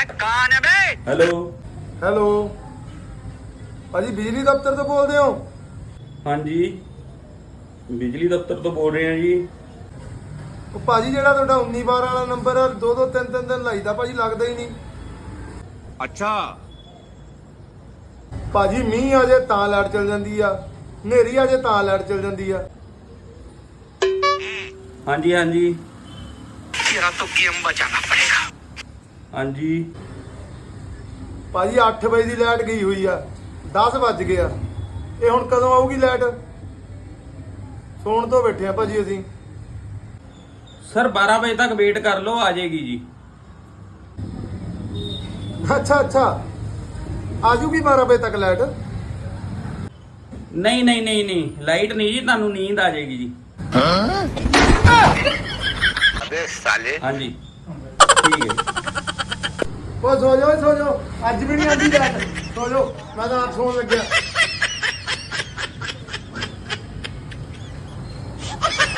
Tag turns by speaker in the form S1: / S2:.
S1: कौन है बे?
S2: Hello
S3: hello ਭਾਜੀ ਬਿਜਲੀ ਦਫ਼ਤਰ ਤੋਂ ਬੋਲਦੇ ਹੋ?
S2: ਹਾਂਜੀ ਬਿਜਲੀ ਦਫ਼ਤਰ ਤੋਂ ਬੋਲ ਰਹੇ ਹਾਂ ਜੀ।
S3: ਉਹ ਭਾਜੀ ਜਿਹੜਾ ਤੁਹਾਡਾ 1912 ਵਾਲਾ ਨੰਬਰ ਆ, ਦੋ ਦੋ ਤਿੰਨ ਤਿੰਨ ਦਿਨ ਲਾਈਦਾ ਭਾਜੀ, ਲੱਗਦਾ ਹੀ ਨਹੀਂ।
S1: अच्छा
S3: ਭਾਜੀ ਮੀਂਹ ਆ ਜੇ ਤਾਂ ਲਾਈਟ ਚਲ ਜਾਂਦੀ ਆ, ਹਨੇਰੀ ਆ ਜੇ ਤਾਂ ਲਾਈਟ ਚਲ ਜਾਂਦੀ ਆ।
S2: ਹਾਂਜੀ ਹਾਂਜੀ
S1: तेरा तो गेम बचाना पड़ेगा।
S2: ਹਾਂਜੀ
S3: ਭਾਜੀ 8 ਵਜੇ ਦੀ ਲਾਈਟ ਗਈ ਹੋਈ ਆ, 10 ਵੱਜ ਗਏ ਆ। ਇਹ ਹੁਣ ਕਦੋਂ ਆਊਗੀ ਲਾਈਟ? ਸੌਣ ਤੋਂ ਬੈਠੇ ਆ ਭਾਜੀ ਅਸੀਂ।
S2: ਸਰ 12 ਵਜੇ ਤੱਕ ਵੇਟ ਕਰ ਲਓ, ਆ ਜਾਏਗੀ ਜੀ।
S3: ਅੱਛਾ ਅੱਛਾ, ਆ ਜੂਗੀ 12 ਵਜੇ ਤੱਕ ਲਾਈਟ?
S2: ਨਹੀਂ ਨਹੀਂ ਨਹੀਂ ਨਹੀਂ, ਲਾਈਟ ਨਹੀਂ ਜੀ, ਤੁਹਾਨੂੰ ਨੀਂਦ ਆ ਜਾਏਗੀ ਜੀ।
S1: अबे साले
S2: ਹਾਂਜੀ ਠੀਕ ਹੈ ਜੀ।
S3: ਉਹ ਸੋ ਜਾਓ ਸੋ ਜਾਓ, ਅੱਜ ਵੀ ਨਹੀਂ ਆਉਂਦੀ ਲਾਈਟ। ਸੋ ਜਾਓ, ਮੈਂ ਤਾਂ ਆਪ ਸੌਣ ਲੱਗਿਆ।